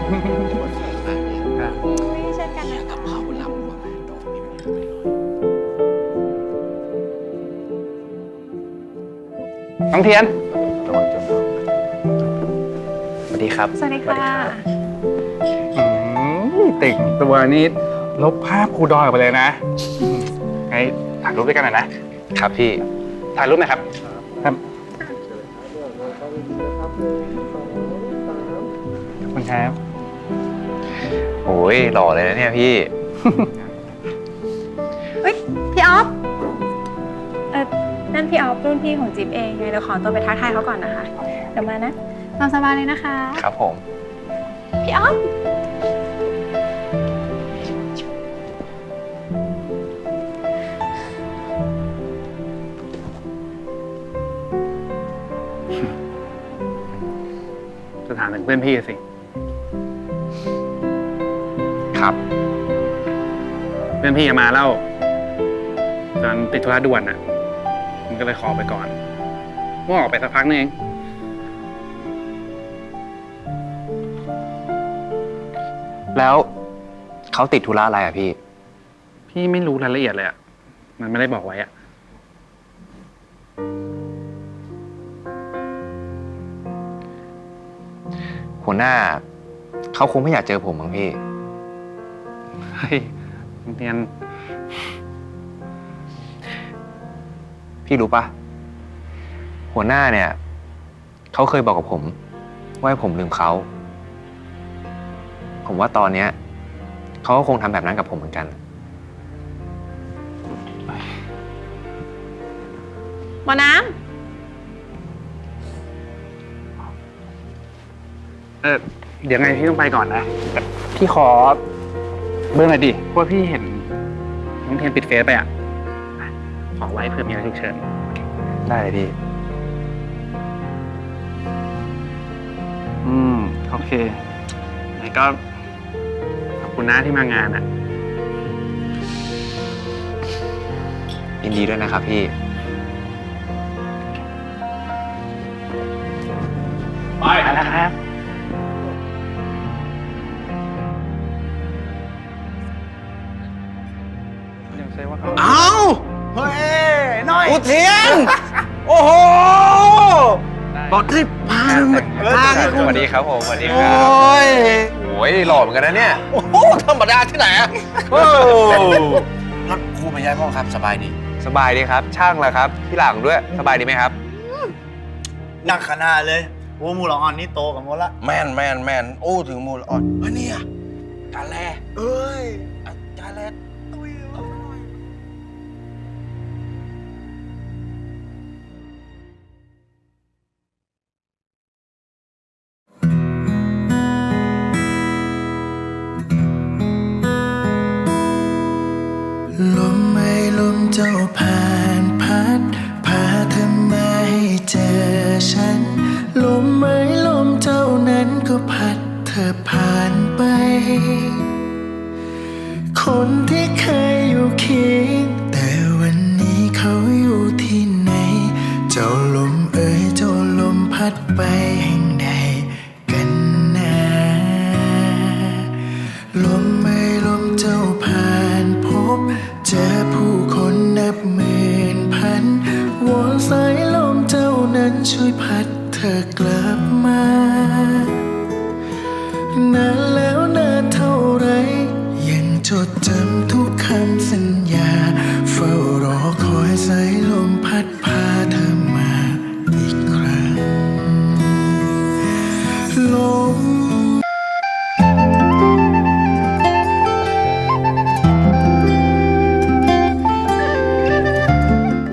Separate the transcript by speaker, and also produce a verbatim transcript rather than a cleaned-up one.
Speaker 1: ไม่เช่นกันนะคะ
Speaker 2: น้องเทียนสวัสดีครับ
Speaker 1: สวัสดีค่ะ
Speaker 2: ติ่งตัวนี้ลบภาพครูดอยออกไปเลยนะไงถ่ายรูปด้วยกันหน่อยนะครับพี่ถ่ายรูปหน่อยครับครับขอบคุณครับ
Speaker 3: โอ้ยหล่อเลยนะเนี่ยพี่
Speaker 1: เฮ้ยพี่ออฟเออนั่นพี่ออฟรุ่นพี่ของจิ๊บเองไงเดี๋ยวขอตัวไปทักทายเขาก่อนนะคะเดี๋ยวมานะตามสบายเลยนะคะ
Speaker 3: ครับผม
Speaker 1: พี่ออฟ
Speaker 2: จะถามถึงเพื่อนพี่สิ
Speaker 3: ครับ
Speaker 2: เพื่อนพี่มาเล่าตอนติดธุระด่วนน่ะมันก็เลยขอไปก่อนเมื่อออกไปสักพักนึงเอง
Speaker 3: แล้วเขาติดธุระอะไรอ่ะพี่
Speaker 2: พี่ไม่รู้รายละเอียดเลยอ่ะมันไม่ได้บอกไว้อ่ะ
Speaker 3: หัวหน้าเขาคงไม่อยากเจอผมมั้งพี่
Speaker 2: เฮ้ยเรียน
Speaker 3: พี่รู้ปะหัวหน้าเนี่ยเขาเคยบอกกับผมว่าให้ผมลืมเขาผมว่าตอนเนี้ยเขาก็คงทำแบบนั้นกับผมเหมือนกัน
Speaker 1: หมอน้
Speaker 2: เออเดี๋ยวไงพี่ต้องไปก่อนนะแต่พี่ขอเบอร์หน่อยดิเพราะว่าพี่เห็นน้องเทียนปิดเฟซไปอ่ะขอไว้เผื่อมีอะไรฉุกเฉิน
Speaker 3: ได้เลยพี่
Speaker 2: อืมโอเคไหนก็ขอบคุณนะที่มางานอ่ะ
Speaker 3: ยินดีด้วยนะครับพี่
Speaker 2: ไปนะครับยังใช่ว่าเขา
Speaker 4: เอาเฮ้ยน้อยอุเทียน โอ้โหบอกที่พามาทางให้
Speaker 3: ส
Speaker 4: คุณ
Speaker 3: วัสดีครับผมสวัสดีค
Speaker 4: โอ
Speaker 3: รับ้
Speaker 4: ย
Speaker 3: โอ้ยหล่อเหมือนกันนะเนี่ย
Speaker 4: โอ้โหธรรมดาที่ไหนอะโอ้รถครูไปย้ายห้องครับสบายดี
Speaker 3: สบายดีครับ ช่างละครับที่หลังด้วยสบายดีไหมครับ
Speaker 4: นักขนาดเลยโอ้มูลอ่อนนี่โตกับหมดละแมนแมนแมนโอ้ถึงมูลอ่อนเฮ้ยเนี่ยกาแลเอ้ยกาแลตุ้ยเอาหน่อย
Speaker 5: ลมไม่ลมเจ้าผ่านพัดพาเธอมาให้เจอฉันลมไม่ลมเจ้านั้นก็พัดเธอผ่านไปคนที่เคยอยู่เคียงแต่วันนี้เขาอยู่ที่ไหนเจ้าลมเอ่ยเจ้าลมพัดไปแห่งใดกันนะลมไม่ลมเจ้าผ่านพบเจอผู้คนนับหมื่นพันวอนสายลมเจ้านั้นช่วยพัดเธอกลับมา